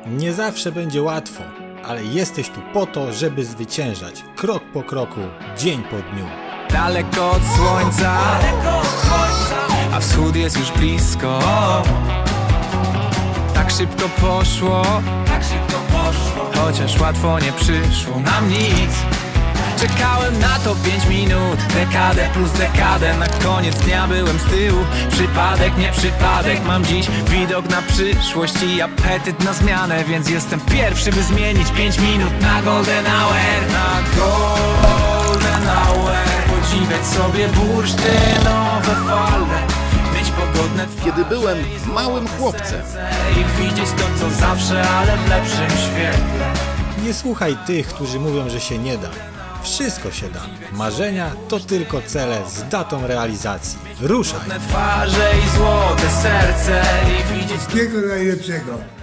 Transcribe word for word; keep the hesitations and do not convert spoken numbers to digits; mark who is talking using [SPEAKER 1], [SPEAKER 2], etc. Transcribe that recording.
[SPEAKER 1] Nie zawsze będzie łatwo, ale jesteś tu po to, żeby zwyciężać. Krok po kroku, dzień po dniu.
[SPEAKER 2] Daleko od słońca, a wschód jest już blisko. Tak szybko poszło, tak szybko poszło, chociaż łatwo nie przyszło nam nic. Czekałem na to pięć minut, dekadę plus dekadę. Na koniec dnia byłem z tyłu, przypadek, nie przypadek. Mam dziś widok na przyszłość i apetyt na zmianę, więc jestem pierwszy, by zmienić pięć minut na golden hour. Na golden hour, podziwiać sobie bursztynowe fale, mieć pogodne twarze,
[SPEAKER 3] Kiedy byłem małym chłopcem,
[SPEAKER 2] i widzieć to co zawsze, ale w lepszym świetle.
[SPEAKER 1] Nie słuchaj tych, którzy mówią, że się nie da. Wszystko się da. Marzenia to tylko cele z datą realizacji. Ruszaj!
[SPEAKER 2] Twarze i złote serce i widzieć
[SPEAKER 4] Wszystkiego najlepszego.